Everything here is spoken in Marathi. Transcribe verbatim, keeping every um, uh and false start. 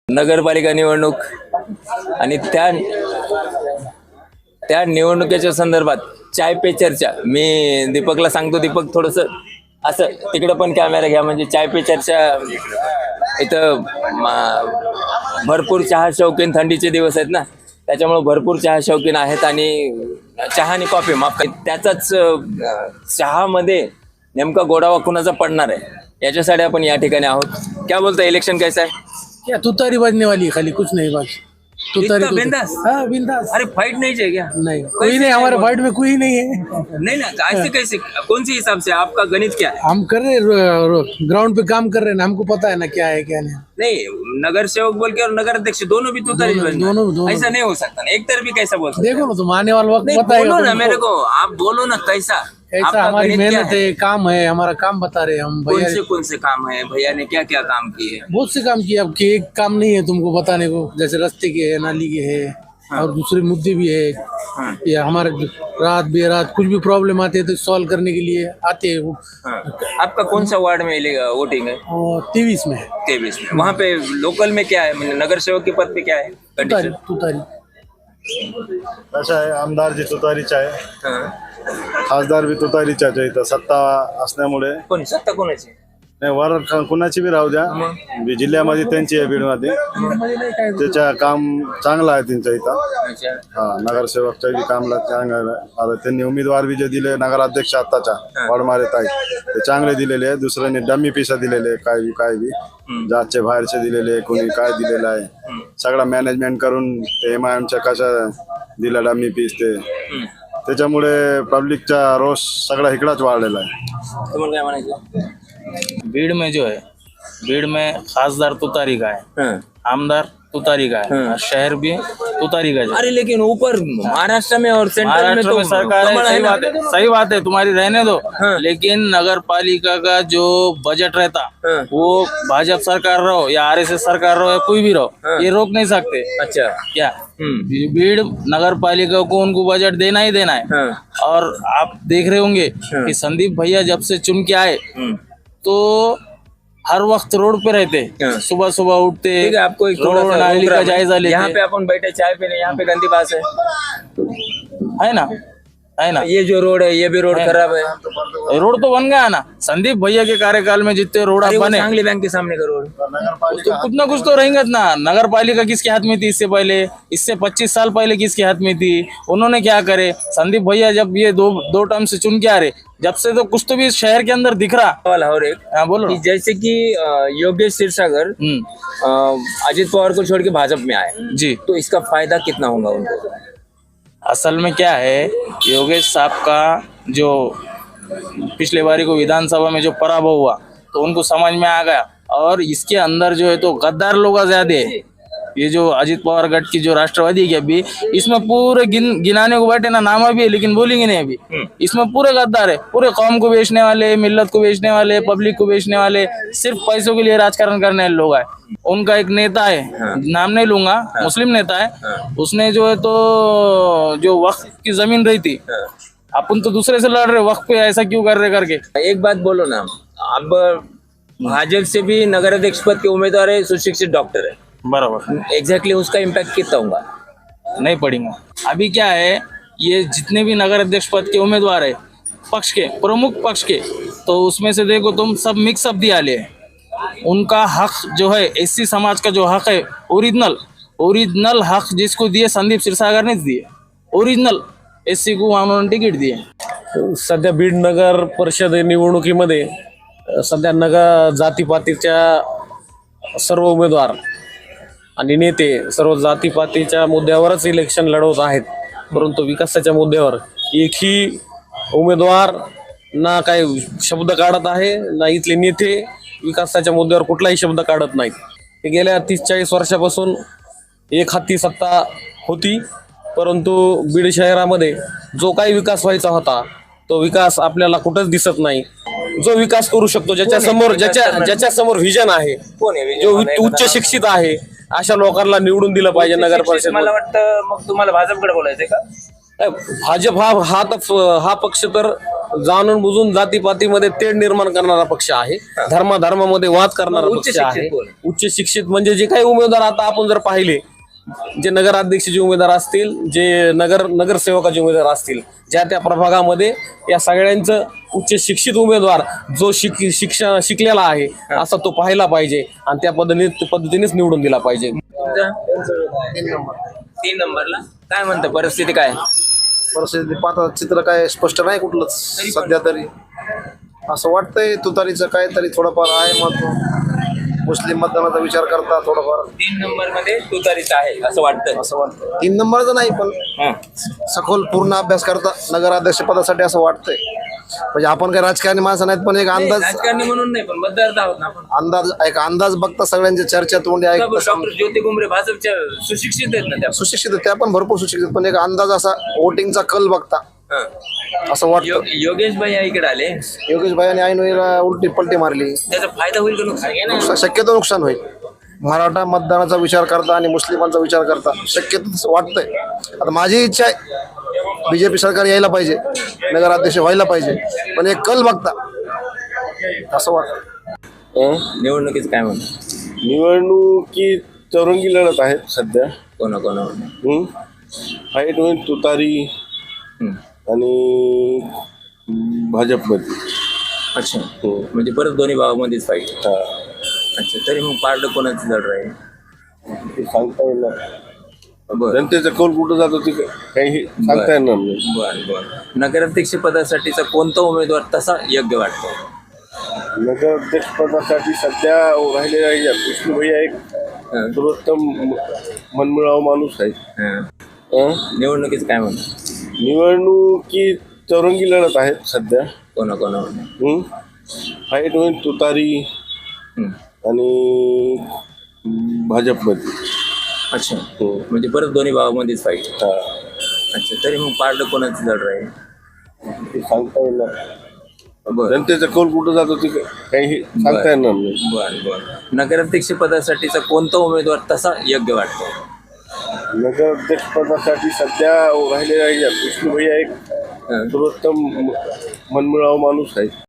नगरपालिका निवडणूक आणि त्या त्या निवडणुकीच्या संदर्भात चाय पे चर्चा. मी दीपकला सांगतो, दीपक थोडस असं तिकडं पण कॅमेरा घ्या, म्हणजे चाय पे चर्चा. इथं मा- भरपूर चहा शौकीन, थंडीचे दिवस आहेत ना, त्याच्यामुळे भरपूर चहा शौकीन आहेत आणि चहा आणि कॉफी माफ त्याचाच चहामध्ये नेमका गोडावा कुणाचा पडणार आहे याच्यासाठी आपण या ठिकाणी आहोत. क्या बोलता, इलेक्शन कैसा है? क्या तुतारी बजने वाली है, खाली कुछ नहीं बस तुतारी इतना बिंदास? हाँ बिंदास। अरे फाइट नहीं चाहिए क्या? नहीं कोई नहीं, हमारे फाइट में कोई नहीं है। नहीं ना, ऐसे कैसे, कौन सी हिसाब से आपका गणित क्या है? हम कर रहे ग्राउंड पे काम कर रहे हैं, हमको पता है ना क्या है क्या नहीं। नहीं, नगर सेवक बोल के और नगर अध्यक्ष दोनों भी तुतारी दोनों- बनना। दोनों- दोनों। ऐसा नहीं हो सकता ना, एक तरफ भी कैसा बोल सकते? देखो ना, तुम आने वाला वक्त नहीं, बताएगा बोलो ना तुमको। मेरे को, आप बोलो ना कैसा ऐसा आपका हमारी गणित क्या मेहनत है, काम है, हमारा काम बता रहे हैं हम कौन भैया। से कौन से काम है, भैया ने क्या क्या काम किए? बहुत से काम किए, अब कि एक काम नहीं है तुमको बताने को, जैसे रास्ते के है, नाली के है, और दूसरे मुद्दे भी है। हाँ। या हमारे रात बेरात कुछ भी प्रॉब्लम आती है तो सॉल्व करने के लिए आते हैं वो। हाँ। आपका कौन सा वार्ड में वोटिंग है? तेईस में है। तेईस में। वहाँ पे लोकल में क्या है, मतलब नगर सेवक के पद पे क्या है तुतारी कंडीशन? तुतारी अशा आहे, आमदारची तुतारीच आहे, हाँ। खासदार बी तुतारीच आहे. इथं सत्ता असल्यामुळे कोण सत्ता कोणाची? नाही, वर क- कुणाची बी राहू द्या, बी जिल्ह्यामध्ये त्यांची आहे बीडमध्ये. त्याच्या काम चांगलं आहे त्यांचं इथं. अच्छा. हा, नगरसेवकच्या बी कामला चांगलं आहे. आता त्यांनी उमेदवार बी जे दिले नगराध्यक्ष आत्ताच्या वडमारे ताई, ते चांगले दिलेले आहे. दुसऱ्याने डमी पिसा दिलेले आहे, काय बी काय बी जातचे बाहेरचे दिलेले आहे, कोणी काय दिलेलं आहे. सगळा मॅनेजमेंट करून ते एम आय एमच्या कशा दिला डमी पीस ते, त्याच्यामुळे पब्लिकचा रोष सगळा इकडाच वाढलेला आहे. तुम्हाला काय म्हणायचं? भीड़ में जो है, भीड़ में खासदार तुतारी का है, हाँ। आमदार तुतारी का है, हाँ। और शहर भी तुतारी का है। अरे लेकिन ऊपर महाराष्ट्र में और सेंट्रल में महाराष्ट्र तो में सरकार है, कमल है सही ना? बात है, सही बात है तुम्हारी, रहने दो। हाँ। लेकिन नगर पालिका का जो बजट रहता, हाँ। वो भाजपा सरकार रहो या आरएसएस सरकार रहो या कोई भी रहो, हाँ। ये रोक नहीं सकते। अच्छा। क्या हम्म। भीड़ नगर पालिका को उनको बजट देना ही देना है। हाँ। और आप देख रहे होंगे हाँ। कि संदीप भैया जब से चुन के आए हम्म। तो हर वक्त रोड पे रहते, हाँ। सुबह सुबह उठते, ठीक है, आपको एक थोड़ा रोड सा नाली रोक का रहा हूं। जायजा यहाँ लेते पे अपन बैठे चाय पीने, यहाँ पे गंदी बात है है ना, है ना। ये जो रोड है ये भी रोड है। खराब है। रोड तो बन गया ना, संदीप भैया के कार्यकाल में जितने रोड अरे वो बने, सांगली बैंक के सामने का रोड। तो कुछ ना कुछ तो रहेंगे ना। नगर पालिका किसके हाथ में थी इससे पहले, इससे पच्चीस साल पहले किसके हाथ में थी, उन्होंने क्या करे? संदीप भैया जब ये दो दो टर्म से चुन के आ रहे, जब से तो कुछ तो भी शहर के अंदर दिख रहा। सवाल और एक, हाँ बोलो कि ना। जैसे कि अ, योगेश क्षीरसागर हम्म, अ, अजित पवार को छोड़ के भाजपा में आए, जी। तो इसका फायदा कितना होगा उनको? असल में क्या है, योगेश साहब का जो पिछले बारी को विधानसभा में जो पराभव हुआ, तो उनको समझ में आ गया। और इसके अंदर जो है तो गद्दार लोग ज्यादा है। ये जो अजित पवार गढ़ की जो राष्ट्रवादी है अभी, इसमें पूरे गिन गिनाने को बैठे ना, नाम अभी है लेकिन बोलेंगे नहीं अभी। इसमें पूरे गद्दार है, पूरे कौम को बेचने वाले, मिल्लत को बेचने वाले, पब्लिक को बेचने वाले, सिर्फ पैसों के लिए राजकारण करने वाले लोग है। उनका एक नेता है, नाम नहीं लूंगा, मुस्लिम नेता है, उसने जो है तो जो वक्त की जमीन रही थी, अपन तो दूसरे से लड़ रहे, वक्त पे ऐसा क्यों कर रहे करके। एक बात बोलो ना, अब भाजपा से भी नगर अध्यक्ष पद के उम्मीदवार है, सुशिक्षित डॉक्टर है, बराबर एग्जैक्टली उसका इम्पैक्ट कितना होगा? नहीं पड़ेंगे। अभी क्या है, ये जितने भी नगर अध्यक्ष पद के उम्मीदवार है पक्ष के, प्रमुख पक्ष के, तो उसमें से देखो तुम सब मिक्सअप दिया ले। उनका हक जो है, एससी समाज का जो हक है, ओरिजिनल ओरिजिनल हक जिसको दिए संदीप क्षीरसागर ने दिए, ओरिजिनल एससी को उन्होंने तिकीट दिए। सध्या बीड नगर परिषद निवडणुकीमध्ये अ, सध्या नगर जातीपातीच्या सर्व उमेदवार आणि नेते सर्व जातीपातीच्या मुद्द्यावरच इलेक्शन लढवत आहेत, परंतु विकासाच्या मुद्द्यावर एकही उमेदवार ना काही शब्द काढत आहे, ना इथले नेते विकासाच्या मुद्द्यावर कुठलाही शब्द काढत नाहीत. हे गेल्या तीस चाळीस वर्षापासून एक हाती सत्ता होती, परंतु बीड शहरामध्ये जो काही विकास व्हायचा होता तो विकास आपल्याला कुठंच दिसत नाही. जो विकास करू शकतो, ज्याच्या समोर ज्याच्या ज्याच्या समोर व्हिजन आहे, कोण आहे विजय? जो मला एक उच्च बघा. शिक्षित आहे, अशा लोकांना निवडून दिलं पाहिजे नगर परिषद. मला वाटतं मग तुम्हाला भाजपकडे बोलायचंय का? भाजप हा हा तर हा पक्ष तर जाणून बुजून जातीपातीमध्ये तेढ निर्माण करणारा पक्ष आहे, धर्माधर्मामध्ये वाद करणारा उच्च पक्ष शिक्षित आहे. बोल. उच्च शिक्षित म्हणजे जे काही उमेदवार आता आपण जर पाहिले, जे नगराध्यक्षाचे उमेदवार असतील, जे नगर नगरसेवकाचे उमेदवार असतील, ज्या त्या प्रभागामध्ये या सगळ्यांचं उच्च शिक्षित उमेदवार जो शिक शिक्षण शिकलेला आहे असा तो पाहायला पाहिजे आणि त्या पद्धतीने पद्धतीनेच निवडून दिला पाहिजे. तीन नंबरला काय म्हणतं, परिस्थिती काय? परिस्थिती पाहता चित्र काय स्पष्ट नाही कुठलंच सध्या तरी. असं वाटतंय तुतारीचं काहीतरी थोडंफार आहे मत, मुस्लिम मतदानाचा विचार करता थोडंफार. तीन नंबर मध्ये तुतारीच आहे असं वाटतं. असं वाटतं तीन नंबरचं नाही पण हा. सखोल पूर्ण अभ्यास करता नगराध्यक्ष पदासाठी असं वाटतंय. म्हणजे आपण काही राजकारणी माणसं नाहीत पण एक अंदाज राजकारणी म्हणून नाही पण मतदार आहोत ना आपण. अंदाज एक अंदाज बघता सगळ्यांच्या चर्चा तोंडी ऐकता डॉक्टर ज्योती गुमरे भाजपच्या सुशिक्षित आहेत ना त्या. सुशिक्षित आहेत, त्या पण भरपूर सुशिक्षित, पण एक अंदाज असा वोटिंगचा कल बघता हा. असं वाटतं. यो- योगेश भाई या इकडे आले, योगेश भाईने ऐन वेळेला उलटी पलटी मारली, त्याचा फायदा होईल का नुकसान? नुकसान शक्यतो नुकसान होईल. मराठा मतदानाचा विचार करता आणि मुस्लिमांचा विचार करता शक्यतो तसं वाटतंय. आता माझी इच्छा आहे बीजेपी सरकार यायला पाहिजे, नगराध्यक्ष व्हायला पाहिजे, पण एक कल बघता असं वाटतं. निवडणुकीच काय म्हणतो? निवडणुकी चौरंगी लढत आहेत सध्या. कोणा कोणा हम्म. फाईट होईल तुतारी आणि भाजपमध्ये. अच्छा, म्हणजे परत दोन्ही भावामध्येच पाहिजे. हा. अच्छा, तरी मग पारडं कोणाचं जड राहील? ते सांगता येणार. बर जनतेचा कौल कुठं जातो ते काही सांगता येणार नाही. बर बर नगराध्यक्ष पदासाठीचा कोणता उमेदवार तसा योग्य वाटतो? नगराध्यक्ष पदासाठी सध्या राहिलेला विष्णू भैया एक सर्वोत्तम मनमिळावू माणूस आहे. हा. हं? निवडणुकीच काय म्हणतो? निवडणुकी चौरंगी लढत आहेत सध्या. कोणा कोणा हम्म. फाईट होईल तुतारी आणि भाजपमध्ये. अच्छा, म्हणजे परत दोन्ही भावामध्येच पाहिजे. हा. अच्छा, तरी मग पारडं कोणाचं जड राहील? ते सांगता येणार. बर जनतेचा कौल कुठं जातो ते काही सांगता येणार नाही. बर बर नगराध्यक्ष पदासाठीचा कोणता उमेदवार तसा योग्य वाटतो? नगराध्यक्ष पदासाठी सध्या राहिलेला विष्णू भैया एक सर्वोत्तम मनमिळावू माणूस आहे.